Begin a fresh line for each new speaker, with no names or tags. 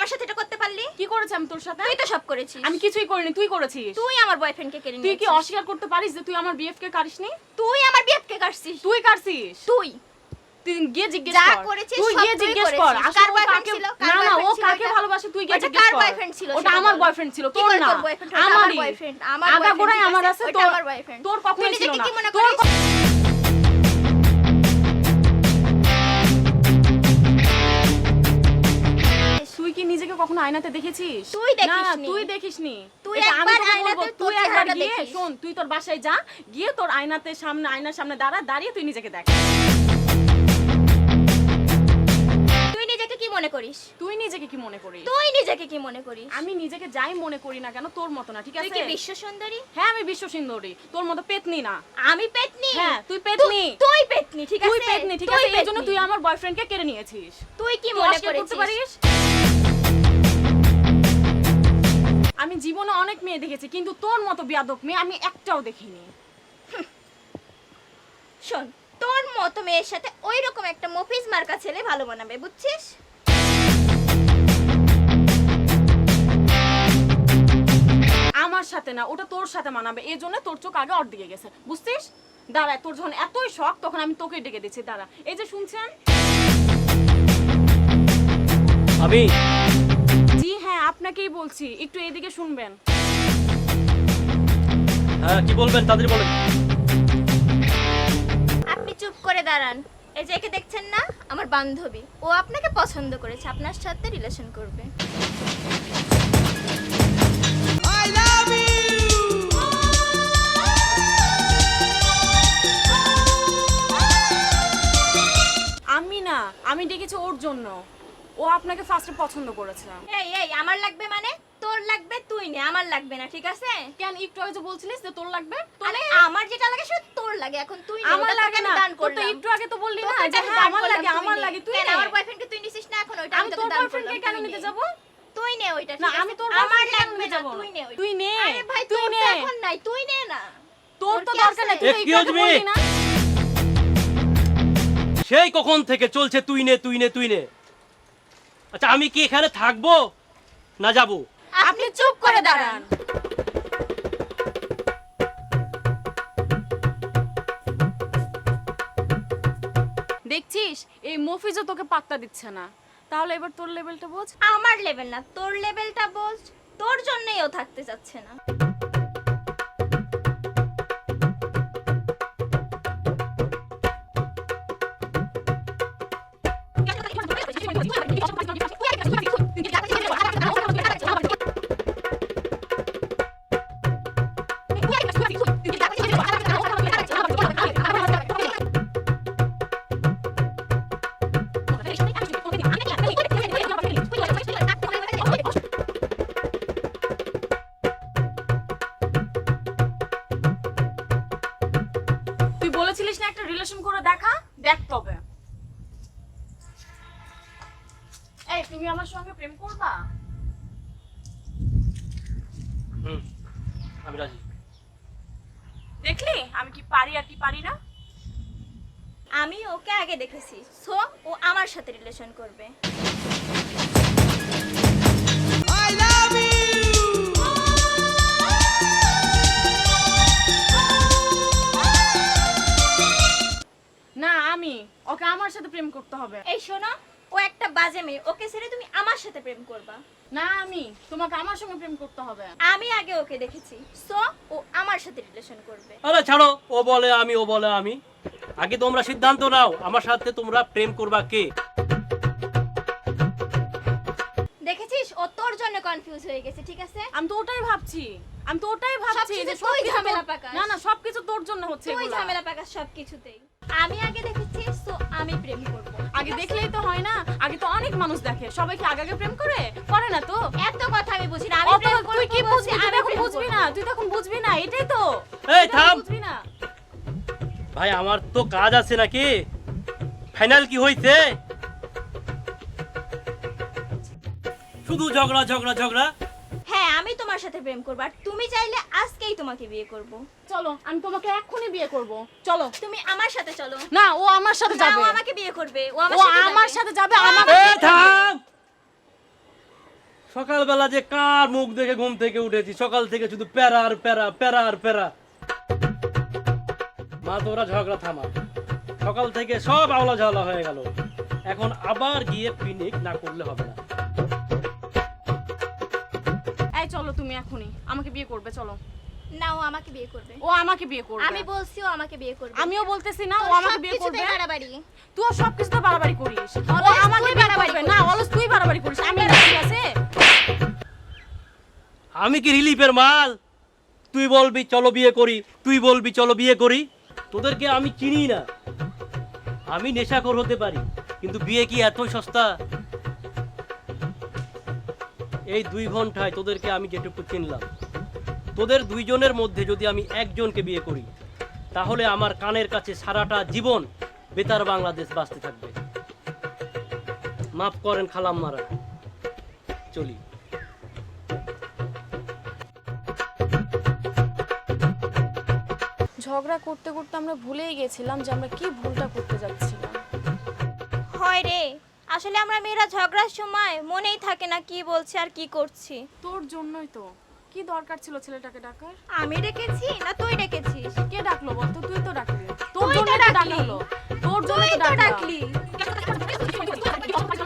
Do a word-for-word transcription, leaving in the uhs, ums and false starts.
সাথে এটা করতে পারলি?
কি করেছি আমি তোর সাথে?
তুই তো সব করেছিস।
আমি কিছুই করিনি, তুই করেছিস।
তুই আমার বয়ফ্রেন্ডকে কেড়ে
তুই
নিয়েছিস।
কি অস্বীকার করতে পারিস যে তুই আমার বিএফ কে কারিসনি?
তুই আমার বিএফকে কাটছিস।
তুই কাটছিস।
তুই
তুই গিয়ে জিজ্ঞেস
যা
কর।
করেছিস
তুই
সব
গিয়ে
তুই
জিজ্ঞেস
করেছিস।
কর।
কার
আসলে ও
বয়ফ্রেন্ড
কাকে
ছিল?
না না ও
ছিল
কাকে
এটা?
ভালোবাসে তুই গিয়ে
ওটা
জিজ্ঞেস
কার
কর।
বয়ফ্রেন্ড ছিল?
ওটা আমার বয়ফ্রেন্ড ছিল, তোর না।
আমার
আমারই
বয়ফ্রেন্ড, আমার
আগা গোড়ায় আমার আছে,
ওটা
তোর
আমার বয়ফ্রেন্ড।
তোর কখনোই ছিল না।
কি মনে
তোর
করিস?
তুই কি নিজেকে কখনো আয়নাতে দেখেছিস?
তুই
না
দেখিসনি।
তুই দেখিসনি।
তুই
এটা আমি
একবার
তোকে
আয়নাতে
বলবো,
তোর
তুই একবার
চেহারাটা
গিয়ে
দেখিস।
শোন, তুই তোর বাসায় যা, গিয়ে তোর আয়নাতে সামনে আয়নার সামনে দাঁড়া, দাঁড়িয়ে তুই নিজেকে দেখ।
তুই নিজেকে কি মনে করিস?
তুই নিজেকে কি মনে করিস?
তুই নিজেকে কি মনে করিস?
আমি নিজেকে যাই মনে করি না কেন, তোর মতো না, ঠিক
তুই
আছে?
কি বিশ্ব সুন্দরী?
হ্যাঁ আমি বিশ্ব সুন্দরী, তোর মতো পেতনি না।
আমি পেতনি?
হ্যাঁ তুই পেতনি।
তুই পেতনি, ঠিক আছে?
তুই পেতনি, ঠিক আছে? এই জন্য তুই আমার বয়ফ্রেন্ডকে কেড়ে নিয়েছিস।
তুই কি
তুই
মনে
অস্বীকার করতে
করেছিস?
পারিস? আমি জীবনে অনেক মেয়ে দেখেছি, কিন্তু তোর মতো বেয়াদব মেয়ে আমি একটাও দেখিনি।
শোন, তোর মতো মেয়ের সাথে ওই রকম একটা মফিজ মার্কা ছেলে ভালো মানাবে, বুঝছিস?
আমার সাথে না, ওটা তোর সাথে মানাবে, এই জন্য তোর চোখ আগে ওর দিকে গেছে, বুঝছিস? দাঁড়া, তোর যখন এতই শখ তখন আমি তোকে ডেকে দিচ্ছি, দাঁড়া। এই যে শুনছেন?
আমি
জি হ্যাঁ আপনাকেই বলছি, একটু এদিকে শুনবেন।
হ্যাঁ কি বলবেন তাদের বলেন।
আপনি চুপ করে দাঁড়ান। এই যে একে দেখছেন না, আমার বান্ধবী, ও আপনাকে পছন্দ করেছে, আপনার সাথে রিলেশন করবে।
আমি না, আমি ডেকেছি ওর জন্য, ও আপনাকে ফার্স্টে পছন্দ করেছে।
এই এই আমার লাগবে মানে? তোর লাগবে তুই নে, আমার লাগবে না, ঠিক আছে?
কেন একটু আগে যে বলছিলিস যে তোর লাগবে?
আরে আমার যেটা লাগে সেটা তোর লাগে, এখন তুই নে।
আমার
ওটা তোকে
লাগে
আমি
না,
দান
তোর তো
করলাম।
একটু আগে তো বললি না
তোকে
যে
আমি
হ্যাঁ
দান
আমার
করলাম,
লাগে,
তুই
আমার
নে।
লাগে, তুই
কেন
নে।
আমার বয়ফ্রেন্ডকে তুই নিছিস না এখন? ওইটা আমি
আমি
তোকে
তোর
দান
বয়ফ্রেন্ডকে
করলাম,
কেন
তুই
নিতে
নে।
যাব?
তুই নে ওইটা,
না
ঠিক
আমি
আছে?
তোর
আমার
বয়ফ্রেন্ডকে কেন
লাগবে
নিতে
না,
যাব?
তুই নে ওইটা।
তুই নে,
আরে ভাই
তুই
তোর
নে।
তো এখন নাই, তুই নে না।
তোর তো
কি
দরকার
আছে?
নেই, তুই তো একটু
Excuse
আগে
me?
বললি না?
সেই কখন থেকে চলছে তুই নে তুই নে তুই নে। আচ্ছা আমি কি এখানে থাকবো না যাবো?
আপনি চুপ করে দাঁড়ান। দেখছিস এই মফিজও তোকে পাত্তা দিচ্ছে না, তাহলে এবার তোর লেভেলটা বোঝ।
আমার লেভেল না, তোর লেভেলটা বোঝ। তোর জন্যই ও থাকতে চাচ্ছে না।
তুই বলেছিলিস না একটা রিলেশন করে দেখা, দেখ তবে। এই তুমি আমার সঙ্গে প্রেম করবা?
হুম আমি রাজি।
দেখলি আমি কি পারি আর কি পারি না।
আমি ওকে আগে দেখেছি, সো ও আমার সাথে রিলেশন করবে।
না আমি ওকে আমার সাথে প্রেম করতে হবে।
এই শোনো, ও একটা বাজে মেয়ে, ওকে ছেড়ে তুমি আমার সাথে প্রেম করবা?
না আমি তোমাকে আমার সঙ্গে প্রেম করতে হবে।
আমি আগে ওকে দেখেছি, সো ও আমার সাথে রিলেশন করবে।
আরে ছাড়ো, ও বলে আমি ও বলে আমি। আগে তোমরা সিদ্ধান্ত নাও আমার সাথে তোমরা প্রেম করবা কে।
দেখেছিস ও তোর জন্য কনফিউজ হয়ে গেছে, ঠিক আছে?
আমি তো ওটাই ভাবছি, আমি তো ওটাই ভাবছি
সবকিছু
যে
তুই
সবকিছু
ঝামেলা
তোর-
পাকাস।
না না সবকিছু তোর জন্য হচ্ছে
তুই
এগুলা।
ঝামেলা পাকাস সবকিছুতেই। আমি আগে দেখেছি, সো আমি প্রেম করব।
আগে দেখলেই তো হয় না, আগে তো অনেক মানুষ দেখে, সবাই কি আগে আগে প্রেম করে? করে না তো।
এত কথা আমি বুঝি না, আমি
অত
প্রেম
তুই
করব
কি
বলছি,
বুঝবি? তুই
আমি
এখন
প্রেম
বুঝবি
করব।
না, তুই তখন বুঝবি না, এটাই তো।
এই
তুই তখন
থাম।
বুঝবি না।
ভাই আমার তো কাজ আছে নাকি। ফাইনাল কি হইছে? শুধু ঝগড়া ঝগড়া ঝগড়া।
হ্যাঁ আমি তোমার সাথে প্রেম করব, আর তুমি চাইলে আজকেই তোমাকে বিয়ে করব।
চলো আমি তোমাকে এক্ষুনি বিয়ে করব, চলো।
তুমি আমার সাথে চলো।
না ও আমার সাথে
না,
যাবে।
ও আমাকে বিয়ে করবে, ও আমার
ও
সাথে
আমার
যাবে।
সাথে যাবে, আমাকে
এই থাম। সকালবেলা যে কার মুখ দেখে ঘুম থেকে উঠেছি, সকাল থেকে শুধু প্যারা আর প্যারা প্যারা আর প্যারা। মা তোরা ঝগড়া থামা, সকাল থেকে সব আওলা ঝাওলা হয়ে গেল, এখন আবার গিয়ে পিকনিক না করলে হবে না।
এই চলো তুমি এখনই, আমাকে বিয়ে করবে চলো।
না, ও আমাকে বিয়ে করবে।
ও আমাকে বিয়ে করবে।
আমি বলছি ও আমাকে বিয়ে করবে।
আমিও বলতেছি না ও
তোর
আমাকে বিয়ে
সবকিছুতেই
করবে।
বাড়াবাড়ি।
তুই সব কিছুতে বাড়াবাড়ি করিস। ও
অলস
আমাকে
তুই
বিয়ে
বাড়াবাড়ি
করবে না,
করিস।
অলস তুই বাড়াবাড়ি করিস। আমি ঠিক আছে?
আমি কি রিলিফের মাল? তুই বলবি চলো বিয়ে করি, তুই বলবি চলো বিয়ে করি। তোদেরকে আমি চিনি না। আমি নেশাখোর হতে পারি, কিন্তু বিয়ে কি এতই সস্তা? এই দুই ঘন্টায় তোদেরকে আমি যেটুকু চিনলাম, তোদের দুইজনের মধ্যে যদি আমি একজনকে বিয়ে করি, তাহলে আমার কানের কাছে সারাটা জীবন বেতার বাংলাদেশ বাঁচতে থাকবে। মাফ করেন খালাম্মারা, চলি।
ঝগড়া করতে করতে আমরা ভুলেই গেছিলাম যে আমরা কি ভুলটা করতে যাচ্ছিলাম।
হয় রে, আসলে আমরা মেয়েরা ঝগড়ার সময় মনেই থাকে না কি বলছি আর কি করছি।
তোর জন্যই তো। কি দরকার ছিল ছেলেটাকে ডাকার?
আমি ডেকেছি না তুই ডেকেছিস?
কে ডাকলো বলতো? তুই তো ডাকলি। তোর
তুই তো
জন্য তো ডাকা
ডাকলি।
হলো। তোর জন্য
তুই
তো
তো
ডাকলি।
ডাকলি।